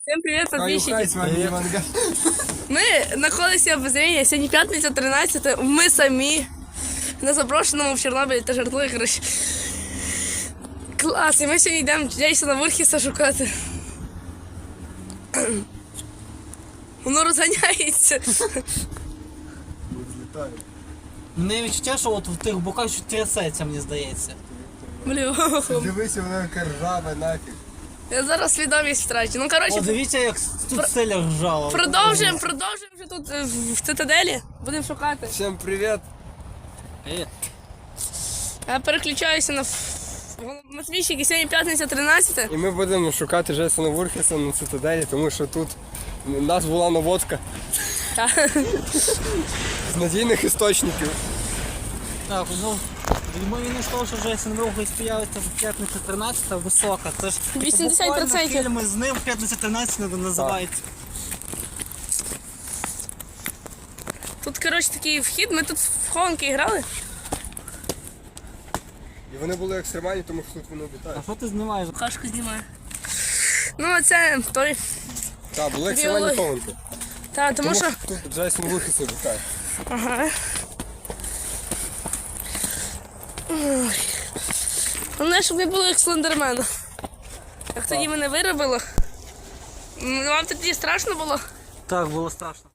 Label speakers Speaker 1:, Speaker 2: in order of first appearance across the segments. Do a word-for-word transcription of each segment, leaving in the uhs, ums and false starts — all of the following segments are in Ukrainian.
Speaker 1: Всем привет, подписчики. Ми знаходимося в Зрінні, сьогодні п'ятниця, тринадцяте, ми самі на заброшеному в Чорнобилі та жартує, коротше. Клас, і ми сьогодні йдемо Джейсона Вурхіса шукати. Воно розганяється.
Speaker 2: Мене відчуття, що от в тих боках що трясеться, мені здається.
Speaker 1: Бля.
Speaker 3: Дивися, вона яка ржава нафіг.
Speaker 1: Я зараз свідомість втрачу. Ну,
Speaker 2: О,
Speaker 1: коротше,
Speaker 2: дивіться, як тут селя ржала.
Speaker 1: продовжуємо, продовжуємо вже тут е, в в цитаделі. Будемо шукати.
Speaker 3: Всім привіт.
Speaker 2: Е,
Speaker 1: Я переключаюся на Матвійщик, і сьогодні п'ятниця, тринадцяте.
Speaker 3: І ми будемо шукати Джейсона Вурхіса на цитаделі, тому що тут у нас була наводка з надійних істочників.
Speaker 2: Так, ну, ймовірність того, що Джейсон Вурхіс появиться в п'ятницю тринадцяте, висока. Це ж
Speaker 1: вісімдесят відсотків.
Speaker 2: буквально фільми з ним п'ятниця тринадцяте називається.
Speaker 1: Тут, коротше, такий вхід, ми тут в хованки грали.
Speaker 3: І вони були екстремальні, тому що тут воно
Speaker 2: А
Speaker 3: обітає.
Speaker 2: що ти знімаєш?
Speaker 1: Кашку знімаю. Ну, а це той.
Speaker 3: Так, були екстремальні
Speaker 1: Біологи.
Speaker 3: хованки.
Speaker 1: Та, тому що.
Speaker 3: Тут Джейсон Вурхіс обітає.
Speaker 1: Ага. Ой. Головне, щоб не було як слендермена. Як тоді мене виробило. М, Вам тоді страшно було?
Speaker 2: Так, було страшно.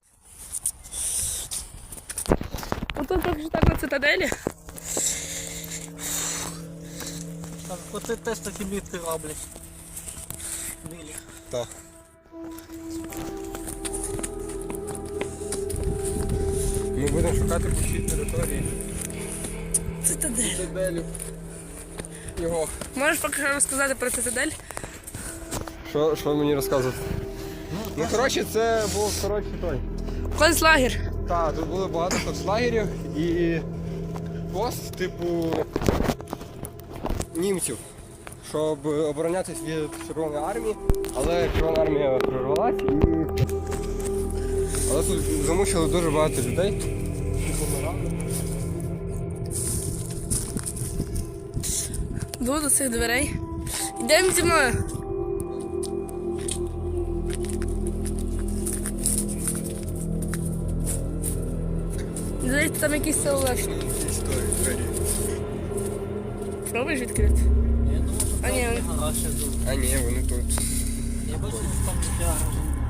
Speaker 1: Отут поки так на цитаделі.
Speaker 2: Так, оце теж такі бітки роблять. Білі.
Speaker 3: Так. Ми будемо шукати по всій території
Speaker 1: Цитадель.
Speaker 3: цитаделю. Його.
Speaker 1: Можеш поки що розказати про цитадель?
Speaker 3: Що, що мені розказувати? Ну, коротше, це був, коротше, той.
Speaker 1: Концлагер.
Speaker 3: Так, тут було багато концлагерів і пост, типу, німців, щоб оборонятися від Червоної армії, але Червона армія прорвалась і... Але тут замучили дуже багато людей.
Speaker 1: Йду до цих дверей. Йдемо зі мною. Дивіться, там якийсь силовик. Пробуєш відкрити?
Speaker 2: Я думаю, що
Speaker 1: А, ні.
Speaker 2: там гараж ще тут.
Speaker 3: А ні, вони тут.
Speaker 2: Я бачу, що там таке гараж.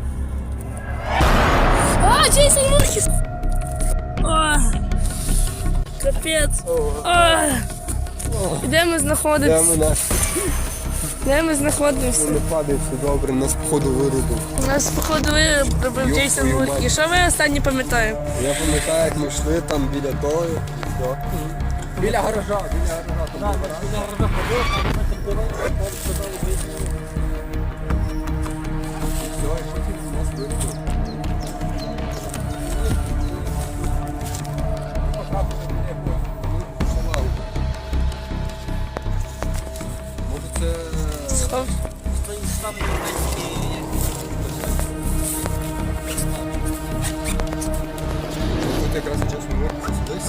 Speaker 1: А, Джейсон Вурхіс! О, капець. О, де ми знаходимося?
Speaker 3: Де ми наш?
Speaker 1: Де ми знаходимося?
Speaker 3: Не падає, все добре, нас походу вирубив.
Speaker 1: У нас, походу, виробив
Speaker 3: Йоп,
Speaker 1: Джейсон
Speaker 3: твою
Speaker 1: Вурхіс.
Speaker 3: мать.
Speaker 1: Що ви останні пам'ятаєте?
Speaker 3: Я пам'ятаю, як ми йшли там біля того і все. Біля гаража, біля гаража. там
Speaker 2: Так,
Speaker 3: був
Speaker 2: от біля гаража ходив, а ми так дивилися, там сказали, вийшли.
Speaker 3: І все, і потім нас вирубив. Ну, потрапили біля якогось, ну, шалаву. Може це...
Speaker 1: Схов.
Speaker 2: Стоїть там німецькі.
Speaker 3: Тут якраз чесно можна десь.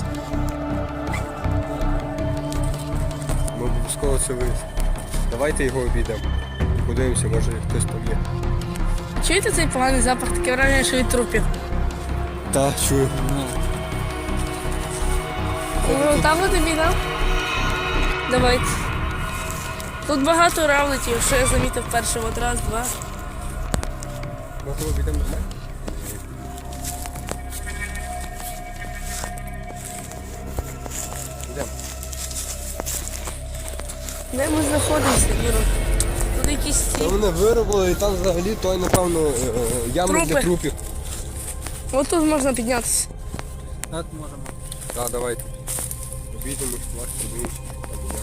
Speaker 3: Ми обов'язково це вийшли. Давайте його обійдемо. Подивимося, може хтось там є.
Speaker 1: Чуєте цей поганий запах? Таке враження, що від трупів.
Speaker 3: Так, чую.
Speaker 1: Ну, там от обійдемо. Давайте. Тут багато равликів, що я замітив перший. От раз, два.
Speaker 3: Може обійдемо нормально? Йдемо.
Speaker 1: Де ми знаходимося, Юро? Тут якісь ці.
Speaker 3: Та мене виробили і там взагалі той, напевно, е, е, яма
Speaker 1: Трупи.
Speaker 3: для трупів.
Speaker 1: От тут можна піднятися.
Speaker 2: Так, можемо.
Speaker 3: Так, давайте. Обійдемо, плащ, подивимося. Там як.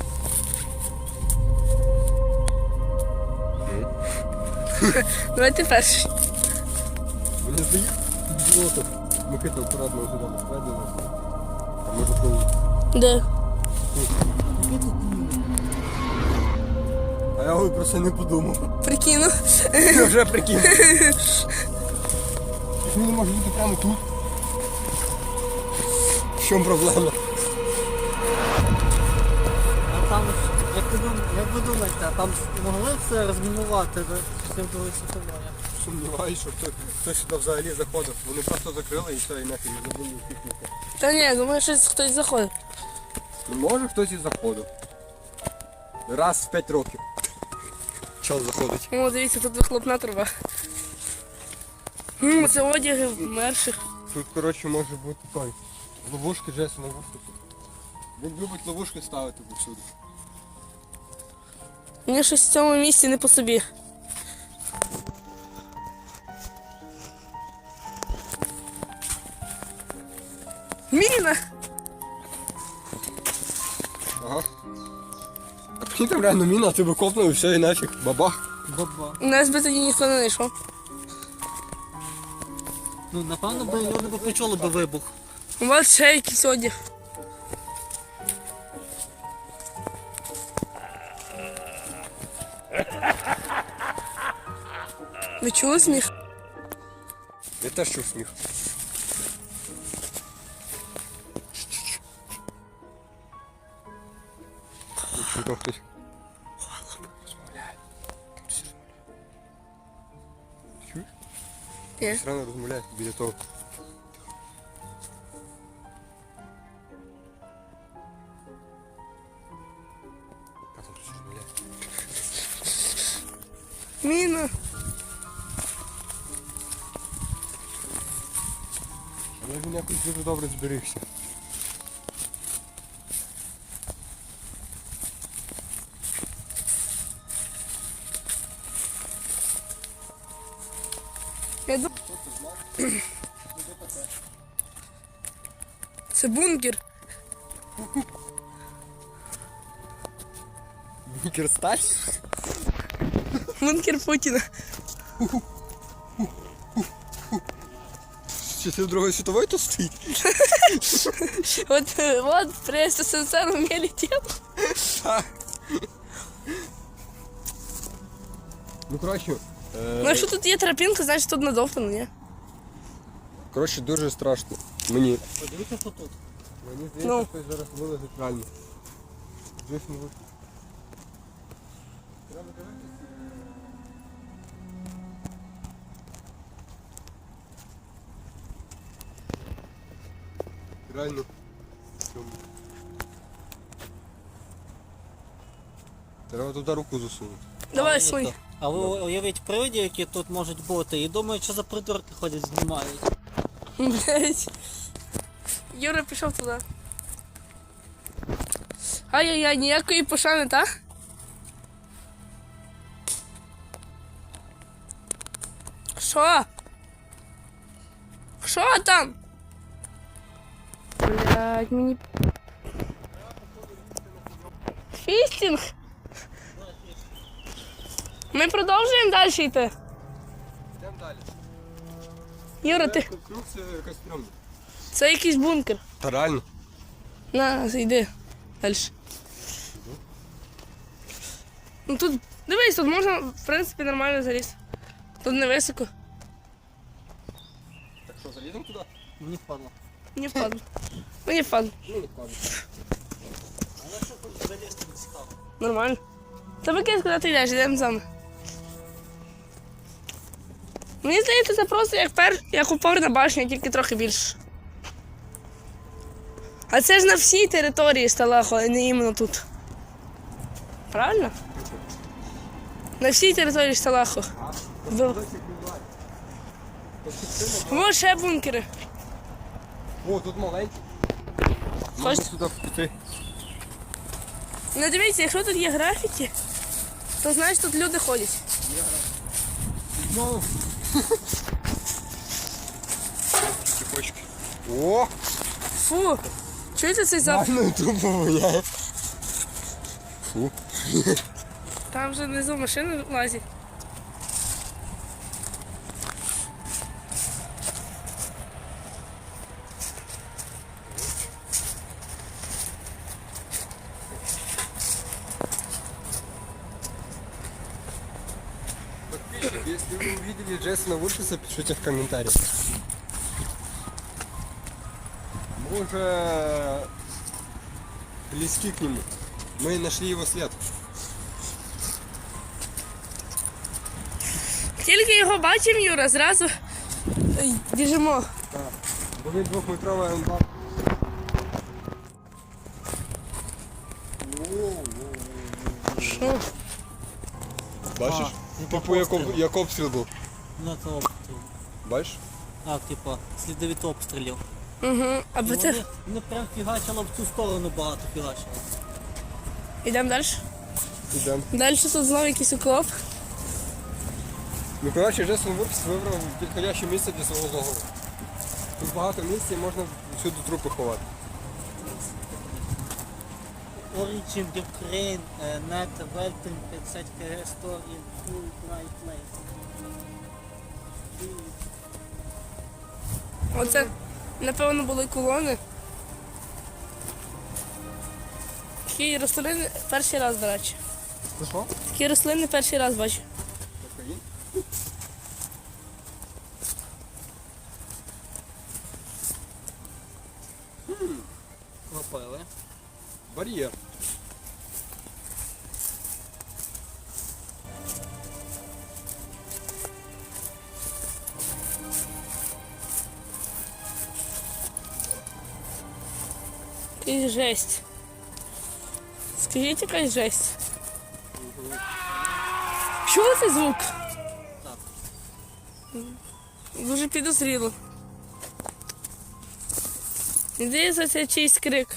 Speaker 1: Давайте перший.
Speaker 3: Мені здається, тут було так. Микита акуратно сюди посередину. А може коли.
Speaker 1: Де?
Speaker 3: А я ой, про це не подумав.
Speaker 1: Прикину.
Speaker 3: Я вже прикинув. Він не може бути прямо тут. В чому проблема?
Speaker 2: А там, як ви дум- як ви думаєте, там могли б це розмінувати до частини Другої світової?
Speaker 3: Сумніваюся, що хто, хтось сюди взагалі заходив. Вони просто закрили і все, і нафіг забули пікніки.
Speaker 1: Та ні, думаю, що хтось заходить.
Speaker 3: Ну, може хтось і заходив. Раз в п'ять років. Час заходить.
Speaker 1: О, дивіться, тут вихлопна труба. М, Це одяги вмерших.
Speaker 3: Тут, коротше, може бути той. Ловушки, Джесі, ловушки тут. Він любить ловушки ставити повсюди.
Speaker 1: Мені щось в цьому місці не по собі. Міна!
Speaker 3: Ага. А прикинь, там реально міна, ти би копнув і все, і нафіг. Бабах.
Speaker 2: Баба.
Speaker 1: Нас би тоді ніхто не знайшов.
Speaker 2: Ну, напевно, би люди б почули би вибух.
Speaker 1: У вас ще якийсь одяг. Ви чули сміх?
Speaker 3: Я теж чув сміх. Чую, там хтось. Розмовляє. Там хтось розмовляє. Чуєш?
Speaker 1: Ні.
Speaker 3: Хтось рано розмовляє біля того. А там хтось розмовляє.
Speaker 1: Міна.
Speaker 3: Але він якось дуже добре зберігся.
Speaker 1: Я дум... Це бункер.
Speaker 3: Бункер Сталь?
Speaker 1: Бункер Путіна.
Speaker 3: З часів Другої світової тут стоїть?
Speaker 1: От, е, от при СССР вміли тіло.
Speaker 3: Ну, коротше, е,
Speaker 1: Ну, якщо тут є тропінка, значить тут надовтано, ні?
Speaker 3: коротше, дуже страшно. Мені.
Speaker 2: Подивіться, що тут.
Speaker 3: Мені
Speaker 1: Ну.
Speaker 3: здається, хтось зараз вилазить реально. Жив не вийшло. Треба дивитися. Реально. Чому? Треба туди руку засунути.
Speaker 1: Давай, сунь.
Speaker 2: А ви уявіть привидів, які тут можуть бути, і думають, що за придурки ходять, знімають.
Speaker 1: Блять. Юра пішов туди. Ай-яй-яй, ніякої пошани, так? Що? Що там? Блять, мені... Фістінг? Ми продовжуємо далі йти.
Speaker 3: Йдемо далі.
Speaker 1: Юра, ти...
Speaker 3: Круг це якась стрьомна.
Speaker 1: Це якийсь бункер.
Speaker 3: Та реально.
Speaker 1: На, йди. Далі. Ну тут, дивись, тут можна, в принципі, нормально залізти. Тут не високо.
Speaker 3: Так що, заліземо туди?
Speaker 2: Мені впадло.
Speaker 1: Не впадло. Мені впадло.
Speaker 3: Ну, не впаде.
Speaker 2: Але що тут залізти не цікаво?
Speaker 1: Нормально. Та викинь, куди ти йдеш, йдемо за мною. Мені здається, це просто як, пер... як опорна башня, тільки трохи більше. А це ж на всій території Сталаху, а не іменно тут. Правильно? На всій території Сталаху. Ви- Ось ще бункери.
Speaker 3: О, тут маленький. Можна
Speaker 1: Хочеш?
Speaker 3: сюди піти.
Speaker 1: Ну дивіться, якщо тут є графіті, то значить тут люди ходять.
Speaker 3: Знову. Цепочки. О!
Speaker 1: Фу, чуєте цей запах?
Speaker 3: Реально трубу воняє. Фу.
Speaker 1: Там вже внизу машини лазять.
Speaker 3: Подписчики, если вы увидели Джейсона Вульфиса, пишите в комментариях. Мы уже близки к нему. Мы нашли его след.
Speaker 1: Тільки його бачимо, Юра, зразу ой, біжимо.
Speaker 3: Так. Бо він двохметровий амбар.
Speaker 1: Що?
Speaker 3: Бачиш?
Speaker 2: А, типу
Speaker 3: Типу як, об-
Speaker 2: обстріл.
Speaker 3: як обстріл був.
Speaker 2: Ну це обстріл.
Speaker 3: Бачиш?
Speaker 2: Так, типу, сліди від обстрілів.
Speaker 1: Угу. А
Speaker 2: І
Speaker 1: ви
Speaker 2: Вони,
Speaker 1: це...
Speaker 2: вони прям фігачило в цю сторону багато фігачило.
Speaker 1: Йдемо далі.
Speaker 3: Ідемо.
Speaker 1: Далі тут знову якийсь окоп.
Speaker 3: Ну, коротше, Джейсон Вуркс вибрав підходяще місце для свого логова. Тут багато місця і можна всюди трупи ховати.
Speaker 2: Origin Ukraine, uh, net Welton п'ятдесят кг store in full bright place.
Speaker 1: Оце, напевно, були колони. Такі рослини перший раз, до речі.
Speaker 3: Це що?
Speaker 1: Такі рослини перший раз бачу.
Speaker 3: Кокаїн?
Speaker 2: Кропили.
Speaker 3: Бар'єр.
Speaker 1: Якась жесть. Скажіть, якась жесть. Чули цей звук?
Speaker 2: Так.
Speaker 1: Дуже підозріло. Здається, це чийсь крик.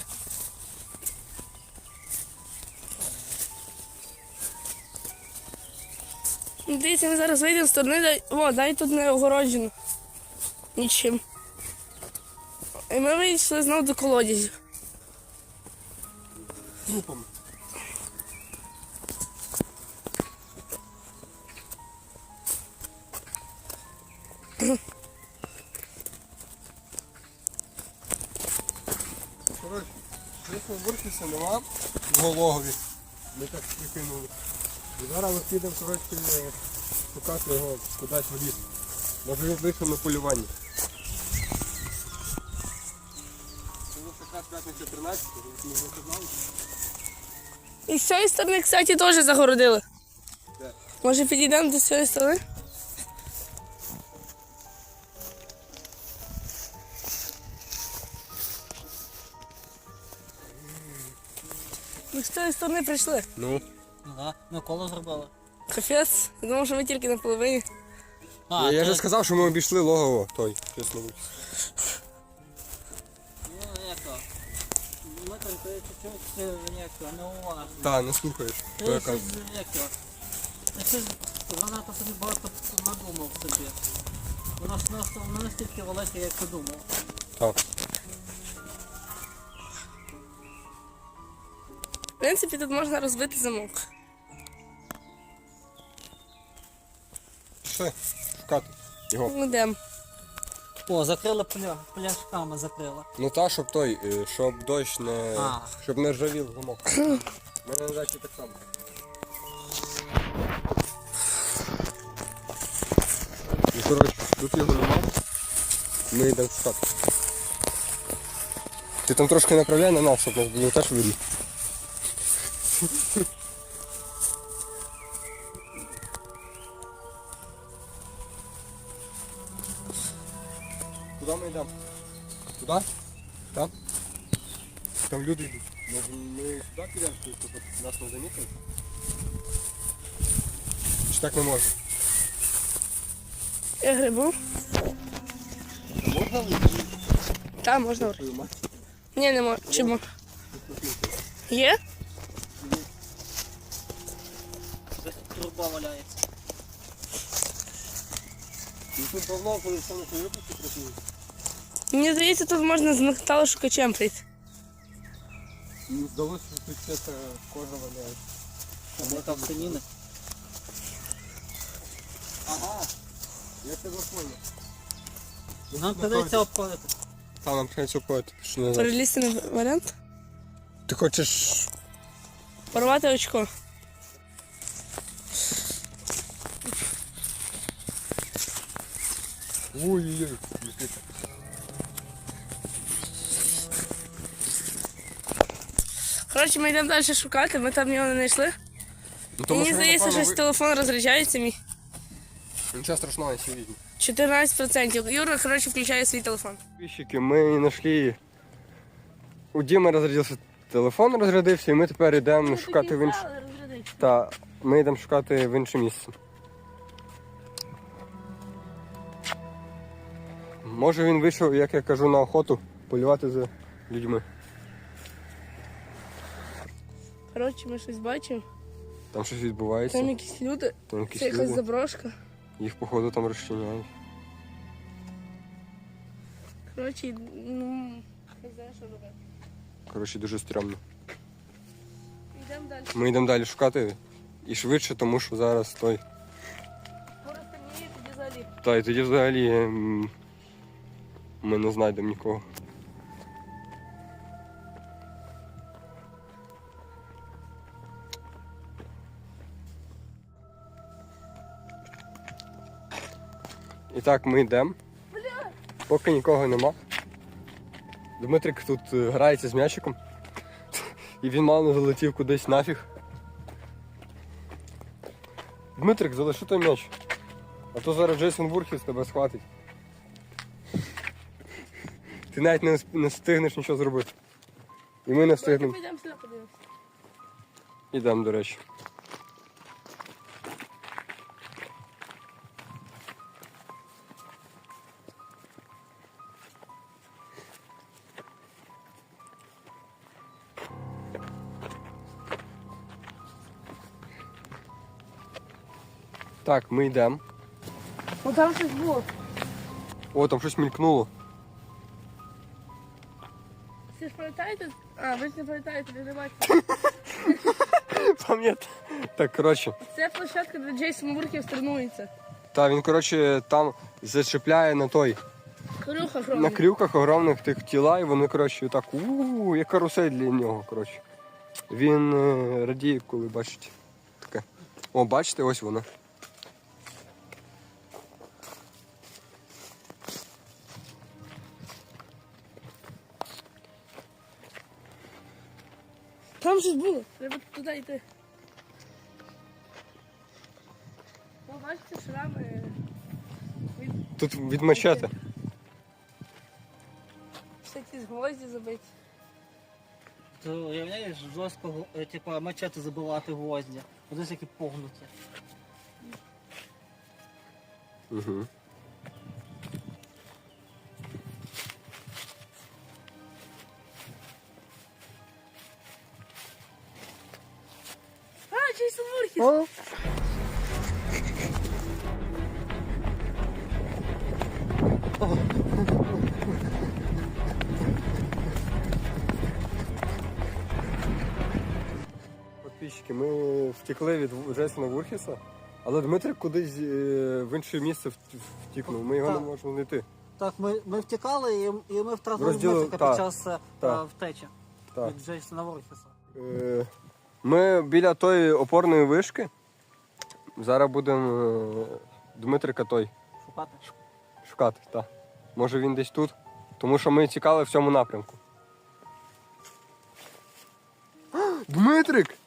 Speaker 1: Дивіться, ми зараз вийдемо з сторони, дай... О, дай тут не огороджено. Нічим. І ми вийшли знову до колодязів.
Speaker 3: Трупами. Коротше, Джейсона Вуркса нема в Гологові. Ми так прикинули. І зараз ми підемо, коротше, шукати його кудись в ліс. Може він вийшов на полювання. Це у нас якраз п'ятниця тринадцята, ми вже знали.
Speaker 1: І з цієї сторони, кстати, теж загородили.
Speaker 3: Де?
Speaker 1: Може підійдемо до цієї сторони? Ми з цієї сторони прийшли.
Speaker 3: Ну.
Speaker 2: Ну так, ми коло зробили.
Speaker 1: Капець, я думав, що ми тільки на половині.
Speaker 2: А,
Speaker 3: я я
Speaker 2: ти-
Speaker 3: вже сказав, що ми обійшли логово той, чесно.
Speaker 2: Ну, як то? Ми там то чуть-чуть, як то, неуважно.
Speaker 3: Та, не слухаєш.
Speaker 2: Ти
Speaker 3: Що я
Speaker 2: щось,
Speaker 3: кажу.
Speaker 2: як то? Ти щось занадто собі багато надумав собі. Воно ж нас- не настільки велике, як ти думав.
Speaker 3: Так.
Speaker 1: В принципі, тут можна розбити замок.
Speaker 3: Все, шукати його.
Speaker 1: Йдемо.
Speaker 2: О, закрили пля... пляшками закрили.
Speaker 3: Ну та, щоб той, е, щоб дощ не.
Speaker 2: А.
Speaker 3: Щоб не ржавів замок. У мене на дачі так само. І коротше, тут його нема. Ми йдемо шукати. Ти там трошки направляй на нас, щоб нас було теж видно. Куди ми йдемо? Туди? Там? Там люди йдуть. Може ми сюди підемо, щоб нас не замітили? Чи так не можна?
Speaker 1: Я грибу.
Speaker 3: Можна вийти?
Speaker 1: Там можна. грибу.
Speaker 3: Твою мать.
Speaker 1: Ні, не можна. Чому? Є?
Speaker 2: Десь труба валяється.
Speaker 3: Ну тут давно, коли все на свої випадки працює.
Speaker 1: Мені здається, тут можна з металошукачем прийти.
Speaker 3: Мені здалося, що тут ще та кожа валяє.
Speaker 2: Там яка станіна.
Speaker 3: Ага. Я тебе понял.
Speaker 2: Нам придеться обходити.
Speaker 3: Там нам придеться обходити. Що не знаю.
Speaker 1: Перелізти на варіант.
Speaker 3: Ти хочеш...
Speaker 1: Порвати очко.
Speaker 3: Ой-ой-ой. Микита.
Speaker 1: Коротше, ми йдемо далі шукати, ми там його не знайшли.
Speaker 3: Ну, тому
Speaker 1: Мені
Speaker 3: що він,
Speaker 1: здається,
Speaker 3: напевно,
Speaker 1: що
Speaker 3: ви-
Speaker 1: телефон розряджається мій.
Speaker 3: Він, Нічого страшного, я ще візьму.
Speaker 1: чотирнадцять відсотків. Юра, коротше, включає свій телефон.
Speaker 3: Підписчики, ми знайшли. У Діми розрядився телефон, розрядився, і ми тепер йдемо шукати в інше. Та ми йдемо шукати в інше місце. Може він вийшов, як я кажу, на охоту полювати за людьми.
Speaker 1: Коротше, ми щось бачимо.
Speaker 3: Там щось відбувається.
Speaker 1: Там якісь люди.
Speaker 3: Там якісь
Speaker 1: Це якась
Speaker 3: люди.
Speaker 1: заброшка.
Speaker 3: Їх походу там розчиняють.
Speaker 1: Коротше, ну, не знаю, що робити.
Speaker 3: Коротше, дуже стрьомно.
Speaker 1: Йдемо далі.
Speaker 3: Ми йдемо далі шукати і швидше, тому що зараз той.
Speaker 1: Скоро стемніє, тоді взагалі.
Speaker 3: Та і тоді взагалі м, ми не знайдемо нікого. І так, ми йдемо. Поки нікого нема. Дмитрик тут е, грається з м'ячиком. І він мало не залетів кудись нафіг. Дмитрик, залиши той м'яч. А то зараз Джейсон Вурхіс тебе схватить. Ти навіть не, не встигнеш нічого зробити. І ми не встигнемо.
Speaker 1: Ми йдемо сюди подивимося.
Speaker 3: Ідемо, до речі. Так, ми йдемо.
Speaker 1: О, там щось було.
Speaker 3: О, там щось мількнуло.
Speaker 1: Всі ж пам'ятаєте? А, ви ж не пам'ятаєте, ви не бачите.
Speaker 3: Пам'ятаю. Так, коротше.
Speaker 1: Це площадка, де Джейсон Вурхіс тренується.
Speaker 3: Та він, коротше, там зачепляє на той.
Speaker 1: Крюха
Speaker 3: На
Speaker 1: хромна.
Speaker 3: крюках огромних тих тіла, і вони, коротше, так, у як карусель для нього, коротше. Він е, радіє, коли бачить таке. О, бачите, ось вона.
Speaker 1: Там щось було. Треба туди йти. О, бачите, шрами. Від...
Speaker 3: Тут від мачете.
Speaker 1: Всякі гвозді забиті.
Speaker 2: Ти уявляєш, жорстко, е, типа, мачете забивати гвозді. Ось які погнуті.
Speaker 3: Угу.
Speaker 1: А, Джейсон Вурхіс!
Speaker 3: Підписчики, ми втекли від Джейсона Вурхіса, але Дмитрик кудись е, в інше місце вт- втікнув. Ми його
Speaker 2: Так.
Speaker 3: не можемо знайти.
Speaker 2: Так, ми, ми втікали і, і ми втратили
Speaker 3: Розділи-
Speaker 2: Дмитрика
Speaker 3: так,
Speaker 2: під час е,
Speaker 3: так.
Speaker 2: втечі
Speaker 3: Так.
Speaker 2: від Джейсона Вурхіса.
Speaker 3: Е, Ми біля тої опорної вишки. Зараз будемо е, Дмитрика той
Speaker 2: Шукати.
Speaker 3: шукати. Та. Може він десь тут, тому що ми тікали в цьому напрямку. Дмитрик!